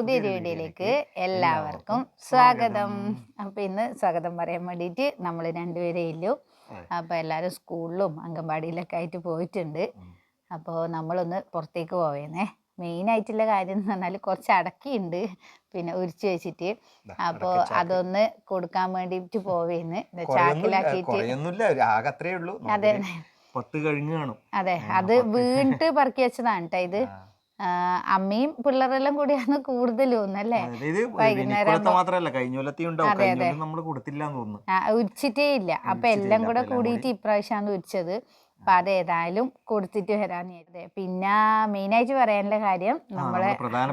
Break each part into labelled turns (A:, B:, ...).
A: പുതിയൊരു വീഡിയോയിലേക്ക് എല്ലാവർക്കും സ്വാഗതം. അപ്പോൾ ഇന്ന് സ്വാഗതം പറയാൻ വേണ്ടിയിട്ട് നമ്മൾ രണ്ടുപേരേ ഇല്ലു. അപ്പോൾ എല്ലാവരും സ്കൂളിലും അംഗൻവാടിയിലൊക്കെ ആയിട്ട് പോയിട്ടുണ്ട്. അപ്പോൾ നമ്മളൊന്ന് പുറത്തേക്ക് പോവേന്നേ. മെയിനായിട്ടുള്ള കാര്യം എന്ന് പറഞ്ഞാൽ കുറച്ച് അടക്കിയുണ്ട്, പിന്നെ ഉരിച്ചു വെച്ചിട്ട്. അപ്പോൾ അതൊന്ന് കൊടുക്കാൻ വേണ്ടിയിട്ട് പോവേന്ന്, ചാക്കിലാക്കിയിട്ട്. അതെ അതെ, അത് വീണിട്ട് പറക്കി വെച്ചതാണ് കേട്ടോ. ഇത് അമ്മയും പിള്ളേരെല്ലാം കൂടിയാണ് കൂടുതലും അല്ലേ. വൈകുന്നേരം ഉരിച്ചിട്ടേ ഇല്ല. അപ്പൊ എല്ലാം കൂടെ കൂടിയിട്ട് ഇപ്രാവശ്യമാണ് ഉരിച്ചത്. അപ്പൊ അതേതായാലും കൊടുത്തിട്ട് വരാന്ന്. പിന്നെ മെയിനായിട്ട് പറയാനുള്ള കാര്യം, നമ്മളെ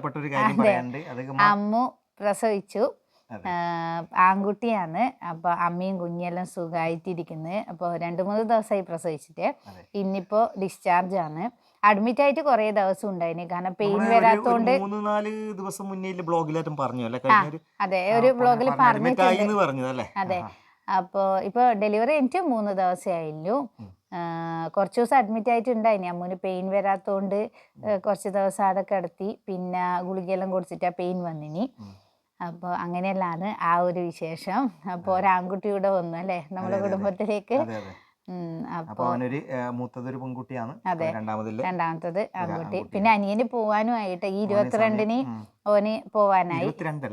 A: അമ്മു പ്രസവിച്ചു, ആൺകുട്ടിയാണ്. അപ്പൊ അമ്മയും കുഞ്ഞെല്ലാം സുഖമായിട്ടിരിക്കുന്നത്. അപ്പോൾ 2-3 ദിവസമായി പ്രസവിച്ചിട്ട്. ഇന്നിപ്പോ ഡിസ്ചാർജ് ആണ്. അഡ്മിറ്റ് ആയിട്ട് കുറെ ദിവസം ഉണ്ടായിന്, കാരണം പെയിൻ വരാത്തോണ്ട്.
B: 3-4 ദിവസം മുന്നേ ബ്ലോഗിലായിട്ടും പറഞ്ഞു അല്ലേ?
A: അതെ, ഒരു ബ്ലോഗിൽ പറഞ്ഞിട്ടുണ്ട്. അതെ. അപ്പോൾ ഇപ്പൊ ഡെലിവറി എനിക്ക് 3 ദിവസമേ ആയില്ലു. കുറച്ച് ദിവസം അഡ്മിറ്റ് ആയിട്ടുണ്ടായിനി. അമ്മൂന് പെയിൻ വരാത്തോണ്ട് കുറച്ച് ദിവസം അവിടെ കിടത്തി. പിന്നെ ഗുളികയെല്ലാം കൊടുത്തിട്ട് പെയിൻ വന്നിനി. അപ്പോൾ അങ്ങനെയല്ലാണ് ആ ഒരു വിശേഷം. അപ്പോൾ ഒരാൺകുട്ടി കൂടെ വന്നു അല്ലേ നമ്മുടെ കുടുംബത്തിലേക്ക്.
B: അപ്പൊ മൂത്തതൊരു പെൺകുട്ടിയാണ്.
A: അതെ, രണ്ടാമത്തത് ആൺകുട്ടി. പിന്നെ അനിയന് പോവാനും ആയിട്ട് ഈ 22-ന് ഓന് പോവാനായി.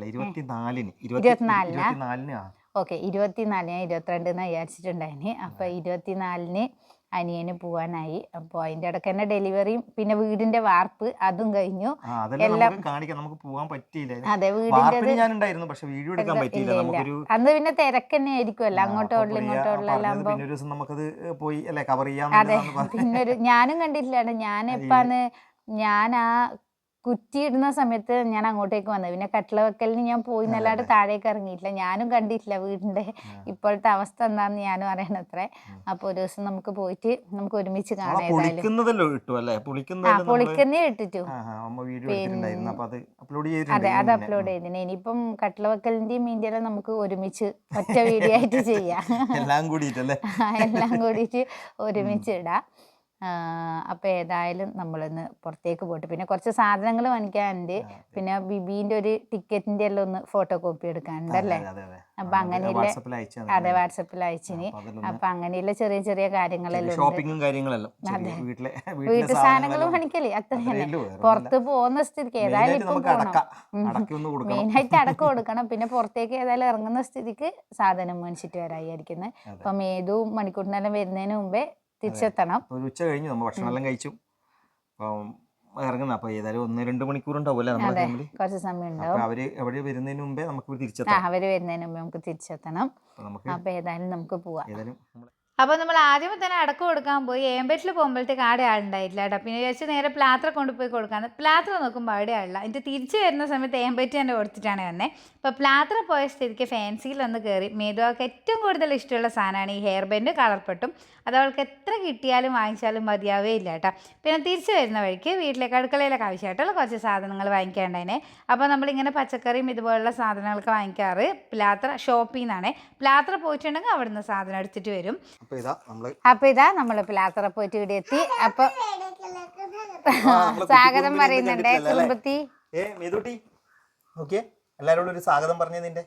A: 24-ന് ഓക്കെ, 24-ന് 22-ന്ന് വിചാരിച്ചിട്ടുണ്ടായിന്. അപ്പൊ 24-ന് അനിയന് പോവാനായി. അപ്പോൾ അതിന്റെ ഇടയ്ക്ക് തന്നെ ഡെലിവറിയും പിന്നെ വീടിന്റെ വാർപ്പ് അതും കഴിഞ്ഞു. എല്ലാം അതെ, വീടിന്റെ അന്ന് പിന്നെ തിരക്ക് തന്നെ ആയിരിക്കുമല്ലോ, അങ്ങോട്ടോടുള്ള ഇങ്ങോട്ടോടുള്ള. അതെ, പിന്നെ ഞാനും കണ്ടിട്ടില്ലാണ്. ഞാൻ ആ കുറ്റി ഇടുന്ന സമയത്ത് ഞാൻ അങ്ങോട്ടേക്ക് വന്നത്. പിന്നെ കട്ടില വെക്കലിന് ഞാൻ പോയി എന്നല്ലാണ്ട് താഴേക്ക് ഇറങ്ങിയിട്ടില്ല. ഞാനും കണ്ടിട്ടില്ല വീടിന്റെ ഇപ്പോഴത്തെ അവസ്ഥ എന്താന്ന് ഞാനും അറിയണത്രേ. അപ്പൊ ഒരു ദിവസം നമുക്ക് പോയിട്ട് നമുക്ക് ഒരുമിച്ച് കാണാം. പൊളിക്കുന്നേ ഇട്ടിട്ടു. അതെ, അത് അപ്ലോഡ് ചെയ്തിന്. ഇനിയിപ്പം കട്ടില വെക്കലിന്റെയും മീൻ്റെല്ലാം നമുക്ക് ഒരുമിച്ച് ഒറ്റ വീഡിയോ ആയിട്ട് ചെയ്യാം. എല്ലാം കൂടിയിട്ട് ഒരുമിച്ച് ഇടാം. അപ്പോൾ ഏതായാലും നമ്മളിന്ന് പുറത്തേക്ക് പോയിട്ട് പിന്നെ കുറച്ച് സാധനങ്ങൾ വാങ്ങിക്കാനുണ്ട്. പിന്നെ ബിബീൻ്റെ ഒരു ടിക്കറ്റിൻ്റെ എല്ലാം ഒന്ന് ഫോട്ടോ കോപ്പി എടുക്കാനുണ്ടല്ലേ. അപ്പം അങ്ങനെയുള്ള, അതെ, വാട്സപ്പിൽ അയച്ചിന്. അപ്പം അങ്ങനെയുള്ള ചെറിയ ചെറിയ കാര്യങ്ങളെല്ലാം ഉണ്ട്. വീട്ടു സാധനങ്ങൾ വാങ്ങിക്കല് അത്ര തന്നെ. പുറത്ത് പോകുന്ന സ്ഥിതിക്ക് ഏതായാലും ഇപ്പം പോകണം. മെയിനായിട്ട് അടക്കം കൊടുക്കണം. പിന്നെ പുറത്തേക്ക് ഏതായാലും ഇറങ്ങുന്ന സ്ഥിതിക്ക് സാധനം മേടിച്ചിട്ട് വരായിരിക്കുന്നത്. അപ്പം ഏതും മണിക്കൂറിനെല്ലാം വരുന്നതിന് മുമ്പേ തിരിച്ചെത്തണം.
B: ഉച്ച കഴിഞ്ഞു, നമ്മൾ ഭക്ഷണം എല്ലാം കഴിച്ചു ഇറങ്ങുന്ന. അപ്പൊ ഏതായാലും 1-2 മണിക്കൂർ ഉണ്ടാവൂല്ലേ നമ്മുടെ ഫാമിലി.
A: കുറച്ച് സമയം ഉണ്ടാവും.
B: അവര് വരുന്നതിന് മുമ്പേ നമുക്ക്
A: തിരിച്ചെത്തണം. അപ്പൊ ഏതായാലും നമുക്ക് പോവാം. അപ്പോൾ നമ്മൾ ആദ്യമേ തന്നെ അടക്കം കൊടുക്കാൻ പോയി. ഏമ്പറ്റിൽ പോകുമ്പോഴത്തേക്ക് ആടെ ആളുണ്ടായിട്ടില്ല കേട്ടോ. പിന്നെ വിചാരിച്ച് നേരെ പ്ലാത്ര കൊണ്ടുപോയി കൊടുക്കാന്ന്. പ്ലാത്ര നോക്കുമ്പോൾ അവിടെ ആളില്ല. എന്നിട്ട് തിരിച്ച് വരുന്ന സമയത്ത് ഏമ്പറ്റി തന്നെ കൊടുത്തിട്ടാണ് വന്നത്. അപ്പോൾ പ്ലാത്ര പോയ സ്ഥിതിക്ക് ഫാൻസിയിലൊന്ന് കയറി. മേതുവാൾക്ക് ഏറ്റവും കൂടുതൽ ഇഷ്ടമുള്ള സാധനമാണ് ഈ ഹെയർ ബാൻഡ്, കളർപ്പെട്ടും. അത് അവൾക്ക് എത്ര കിട്ടിയാലും വാങ്ങിച്ചാലും മതിയാവേ ഇല്ല കേട്ടോ. പിന്നെ തിരിച്ച് വരുന്ന വഴിക്ക് വീട്ടിലേക്ക് അടുക്കളയിലൊക്കെ ആവശ്യമായിട്ടുള്ള കുറച്ച് സാധനങ്ങൾ വാങ്ങിക്കാണ്ടായിനെ. അപ്പോൾ നമ്മളിങ്ങനെ പച്ചക്കറിയും ഇതുപോലുള്ള സാധനങ്ങളൊക്കെ വാങ്ങിക്കാറ് പ്ലാത്ര ഷോപ്പിൽ നിന്നാണ്. പ്ലാത്ര പോയിട്ടുണ്ടെങ്കിൽ അവിടെ നിന്ന് സാധനം എടുത്തിട്ട് വരും. അപ്പൊ ഇതാ നമ്മള് പ്ലാത്ര പോയിട്ട് ഇവിടെ എത്തി. അപ്പൊ സ്വാഗതം പറയുന്നുണ്ട് കുടുംബത്തി.
B: എല്ലാരോടും ഒരു സ്വാഗതം പറഞ്ഞതിന്റെ.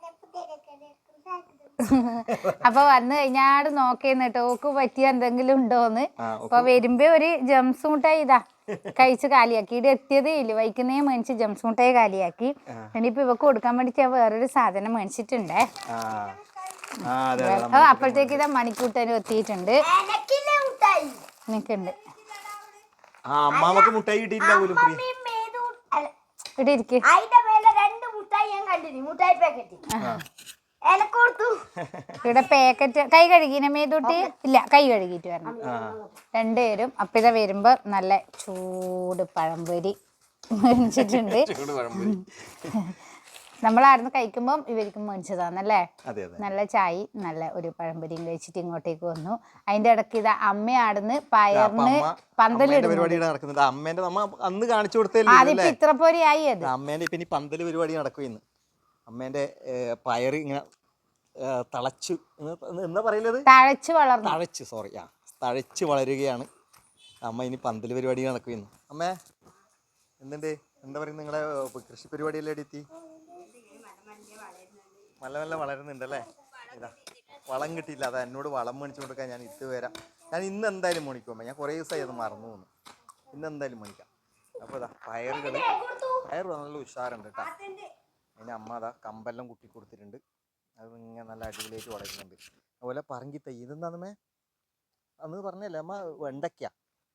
A: അപ്പൊ വന്നു കഴിഞ്ഞാട് നോക്കേന്ന് ടോക്ക് പറ്റിയ എന്തെങ്കിലും ഉണ്ടോന്ന്. അപ്പൊ വരുമ്പോ ഒരു ജംസ് മുട്ടായി ഇതാ കഴിച്ച് കാലിയാക്കി. ഇവിടെ എത്തിയതേ ഇല്ല, വൈകുന്നേരം മേടിച്ച് ജംസ് മുട്ടായി കാലിയാക്കി. ഇനിയിപ്പോ ഇവക്ക് കൊടുക്കാൻ വേണ്ടിട്ട് വേറൊരു സാധനം മേടിച്ചിട്ടുണ്ടേ. അപ്പോഴത്തേക്ക് ഇതാ മണിക്കൂട്ടനും എത്തിയിട്ടുണ്ട്. നിക്കുണ്ട് ഇവിടെ ഇരിക്ക്. ഇവിടെ പാക്കറ്റ് കൈ കഴുകിന മേതൂട്ടി ഇല്ല, കൈ കഴുകിയിട്ട് വരണം രണ്ടുപേരും. അപ്പൊ ഇതാ വരുമ്പോ നല്ല ചൂട് പഴംപൊരി മേടിച്ചിട്ടുണ്ട്. നമ്മളായിരുന്നു കഴിക്കുമ്പോൾ ഇവർക്കും മേടിച്ചതാന്നല്ലേ. നല്ല ചായ, നല്ല ഒരു പഴംപൊരിയും കഴിച്ചിട്ട് ഇങ്ങോട്ടേക്ക് വന്നു. അതിന്റെ ഇടയ്ക്ക് ഇതാ അമ്മയാടുന്ന് പയറിന് പന്തലിടുന്നത്.
B: അമ്മേന്റെ അന്ന് കാണിച്ചു കൊടുത്തേ
A: ഇത്ര പോലെയായി. അത്
B: അമ്മേന്റെ ഇപ്പൊ പന്തല് പരിപാടി നടക്കുന്നു. അമ്മേന്റെ പയറ് ഇങ്ങനെ തഴച്ചു എന്താ പറയുന്നത്, തഴച്ച് വളരുകയാണ്. അമ്മ ഇനി പന്തല് പരിപാടി നടക്കുന്നു. അമ്മേ എന്തുണ്ട്? എന്താ പറയുക, നിങ്ങളെ കൃഷി പരിപാടിയെല്ലാം എത്തി നല്ല നല്ല വളരുന്നുണ്ടല്ലേ? ഇതാ വളം കിട്ടിയില്ല, അതാ എന്നോട് വളം മേടിച്ചു കൊടുക്കാൻ ഞാൻ വരാം. ഞാൻ ഇന്ന് എന്തായാലും മേടിക്കുമ്പോൾ ഞാൻ കുറേ ദിവസമായി അത് മറന്നു പോകുന്നു. ഇന്ന് എന്തായാലും മേടിക്കാം. അപ്പോൾ ഇതാ പയർ നല്ല ഉഷാറുണ്ട് കേട്ടോ. അതിന് അമ്മ അതാ കമ്പെല്ലാം കുത്തി കൊടുത്തിട്ടുണ്ട്. അത് ഇങ്ങനെ നല്ല അടിപൊളിയായിട്ട് വളരുന്നുണ്ട്. അതുപോലെ പറങ്കി തൈ ഇതെന്താന്നമ്മേ അന്ന് പറഞ്ഞല്ലേ അമ്മ? വെണ്ടയ്ക്ക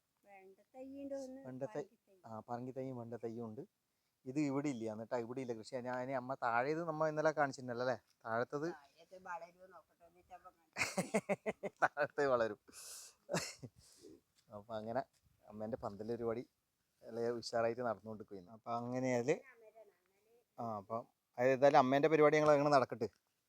B: പറങ്കി തൈയും വെണ്ട തൈയും ഉണ്ട്. ഇത് ഇവിടെ ഇല്ല, എന്നിട്ടാ ഇവിടെ ഇല്ല കൃഷി. ഞാൻ അമ്മ താഴേത് നമ്മ ഇന്നലെ കാണിച്ചിട്ടുണ്ടല്ലോ അല്ലേ? താഴത്തത് താഴത്തെ വളരും. അപ്പം അങ്ങനെ അമ്മേൻ്റെ പന്തൽ പരിപാടി അല്ലെങ്കിൽ ഉഷാറായിട്ട് നടന്നുകൊണ്ടിരിക്കുന്നു. അപ്പം അങ്ങനെ അതിൽ അപ്പം ഏതായാലും അമ്മേൻ്റെ പരിപാടി ഞങ്ങൾ അങ്ങനെ നടക്കട്ടെ.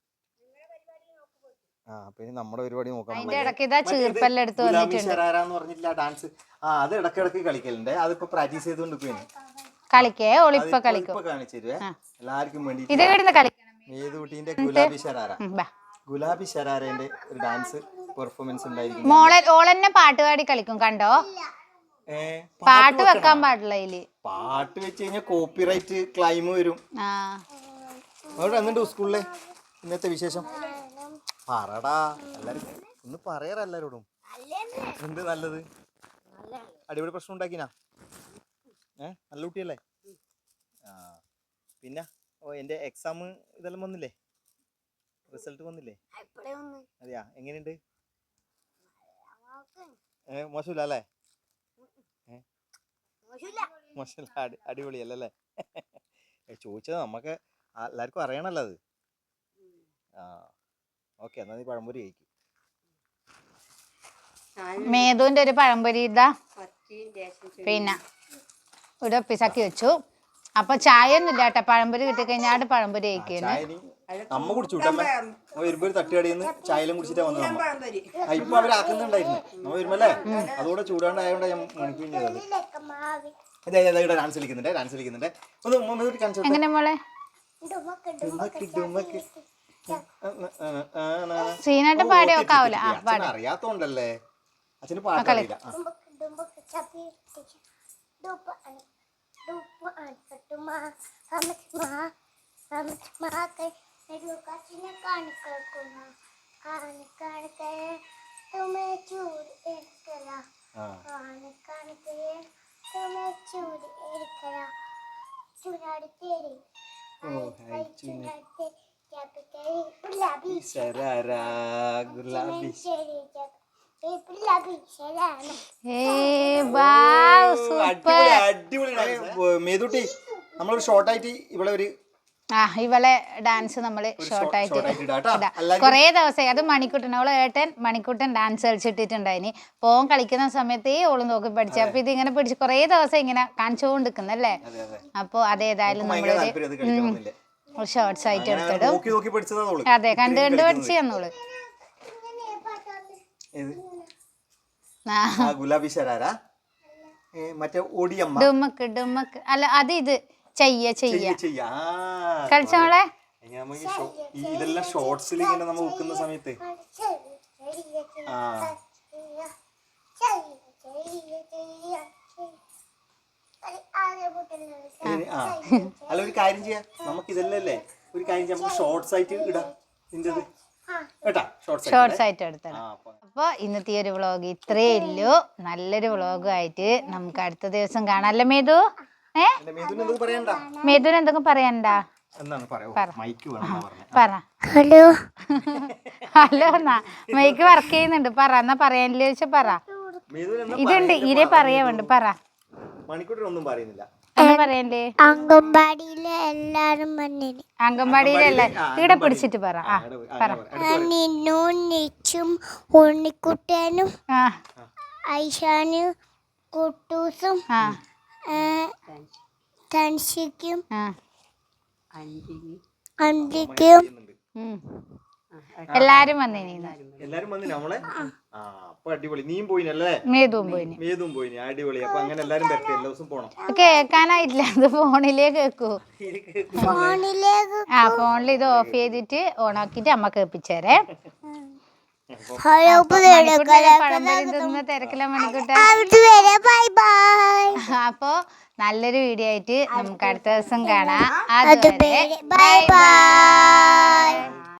B: അപ്പൊ ഇനി നമ്മുടെ പരിപാടി നോക്കാം.
A: ഗുലാബി
B: ശരാര എന്ന് പറഞ്ഞിട്ടില്ല ഡാൻസ്. അത് ഇടക്കിടക്ക് കളിക്കലുണ്ട്. അതിപ്പോ പ്രാക്ടീസ് ചെയ്തുകൊണ്ടിരിക്കുന്നു. കാണിച്ചു തരുവേ എല്ലാവർക്കും വേണ്ടി. മേതുകുട്ടീന്റെ ഗുലാബി ശരാരന്റെ ഒരു ഡാൻസ് പെർഫോമൻസ് ഉണ്ടായിരിക്കും.
A: ഓളെന്നെ പാട്ടുപാടി കളിക്കും കണ്ടോ? പാട്ട് വെക്കാൻ പാടില്ല ഇതില്.
B: പാട്ട് വെച്ച് കഴിഞ്ഞാൽ കോപ്പിറൈറ്റ് ക്ലൈം വരും. അവിടെ എന്നിട്ട് സ്കൂളിലെ ഇന്നത്തെ വിശേഷം പറടാ. എല്ലാരും ഒന്ന് പറയാറ എല്ലാരോടും. എന്ത് നല്ലത്? അടിപൊളി പ്രശ്നം ഉണ്ടാക്കിനാ? നല്ല കുട്ടിയല്ലേ? പിന്നെ എന്റെ എക്സാം ഇതെല്ലാം വന്നില്ലേ? റിസൾട്ട് വന്നില്ലേ? അതെയാ, എങ്ങനെയുണ്ട്? മോശമില്ല അല്ലേ? മോശമില്ല, അടിപൊളിയല്ലേ? ചോദിച്ചത് നമുക്ക് എല്ലാവർക്കും അറിയണല്ലോ അത്. ഓക്കെ, എന്നാ നീ പഴംപൊരി കഴിക്കും.
A: മേതുവിന്റെ ഒരു പഴംപൊരി ഇതാ, പിന്നെ ഇവിടെ ഒപ്പിസാക്കി വെച്ചു. അപ്പൊ ചായ ഒന്നും ഇല്ല കേട്ടോ. പഴംപൊരി കിട്ടിക്കഴിഞ്ഞാൽ പഴംപൊരി കഴിക്കുന്നു.
B: അമ്മ കുടിച്ചു വരുമ്പോ തട്ടുകടിന്ന് ചായലും കുടിച്ചിട്ടാ വന്നത്. ഇപ്പൊ അവരാക്കുന്നുണ്ടായിരുന്നു നമ്മ വരുമ്പല്ലേ. അതുകൂടെ ചൂടാണ്ടായോണ്ട് ഞാൻ മണിക്കൂർ ഡാൻസ് കളിക്കുന്നുണ്ട്.
A: എങ്ങനെ മോളെ? സീനായിട്ട് പാടി നോക്കാവൂല.
B: അറിയാത്തോണ്ടല്ലേ അച്ഛന് പാട്ടറിയില്ല. മേതുട്ടി നമ്മളൊരു ഷോർട്ടായിട്ട് ഇവിടെ ഒരു
A: ഇവളെ ഡാൻസ് നമ്മള് ഷോർട്ടായിട്ട് കൊറേ ദിവസമായി. അത് മണിക്കുട്ടൻ, അവളെ ഏട്ടൻ മണിക്കുട്ടൻ ഡാൻസ് കളിച്ചിട്ടിട്ടുണ്ടായിനി. പോൻ കളിക്കുന്ന സമയത്തേ ഓള് നോക്കി പഠിച്ചു. അപ്പൊ ഇതിങ്ങനെ പിടിച്ച് കൊറേ ദിവസം ഇങ്ങനെ കാണിച്ചുകൊണ്ടിരിക്കുന്നല്ലേ. അപ്പൊ അതേതായാലും നമ്മളൊരു ഷോർട്സ് ആയിട്ട് എടുത്തിടും. അതെ, കണ്ട് പഠിച്ചു തന്നോള്.
B: ഗുലാബി ശരാര മറ്റേ ഒടിയമ്മ
A: ഡുമക്ക് ഡുമക്ക് അല്ല, അത് ഇത് ചെയ്യ കളിച്ചോളെ.
B: ഇതെല്ലാം ഷോർട്സിൽ ഇങ്ങനെ നമ്മൾ വെക്കുന്ന സമയത്ത് അല്ല ഒരു കാര്യം ചെയ്യാം, നമുക്ക് ഇതല്ലേ ഒരു കാര്യം ചെയ്യാം, നമുക്ക് ഷോർട്സ് ആയിട്ട് ഇടാം.
A: ഷോർട്സ് ആയിട്ട് എടുത്തണം. അപ്പൊ ഇന്നത്തെ ഒരു വ്ളോഗ് ഇത്രയേ ഉള്ളൂ. നല്ലൊരു വ്ളോഗായിട്ട് നമുക്ക് അടുത്ത ദിവസം കാണാം അല്ലേ മേതു? മേതുവിന് എന്തെങ്കിലും പറയണ്ടാ? പറ. ഹലോ ഹലോ എന്നാ മൈക്ക് വർക്ക് ചെയ്യുന്നുണ്ട്. പറ എന്നാ പറയാനില്ല ചോദിച്ചാ പറ. ഇതുണ്ട് ഇരേ പറയാ വേണ്ട. പറ.
B: മണിക്കൂട്ടൊന്നും പറയുന്നില്ല.
C: അംഗൻവാടിയിലെ എല്ലാരും
A: അംഗൻവാടിയിലല്ലേ ഇവിടെ പിടിച്ചിട്ട് പറ.
C: നിന്നും നിച്ചും ഉണ്ണിക്കുട്ടനും ഐഷാനും കുട്ടൂസും തൻഷിക്കും അന്തിക്കും
A: എല്ലാരും വന്നിനി.
B: നമ്മളെ അടിപൊളി. നീയും പോയിനല്ലേ?
A: മേതുവും
B: പോയിനി. അടിപൊളി. അപ്പൊ അങ്ങനെ എല്ലാരും വരട്ടെ, എല്ലാ ദിവസം പോണം.
A: കേക്കാനായിട്ടില്ല, അത് ഫോണിലേ കേക്കൂ. ഫോണിൽ ഇത് ഓഫ് ചെയ്തിട്ട് ഓണാക്കിട്ട് അമ്മ കേൾപ്പിച്ചേരേ. തിരക്കില്ല മണിക്കൂട്ട. അപ്പൊ നല്ലൊരു വീഡിയോ ആയിട്ട് നമുക്ക് അടുത്ത ദിവസം കാണാം.
C: അതുവരെ ബൈ ബൈ.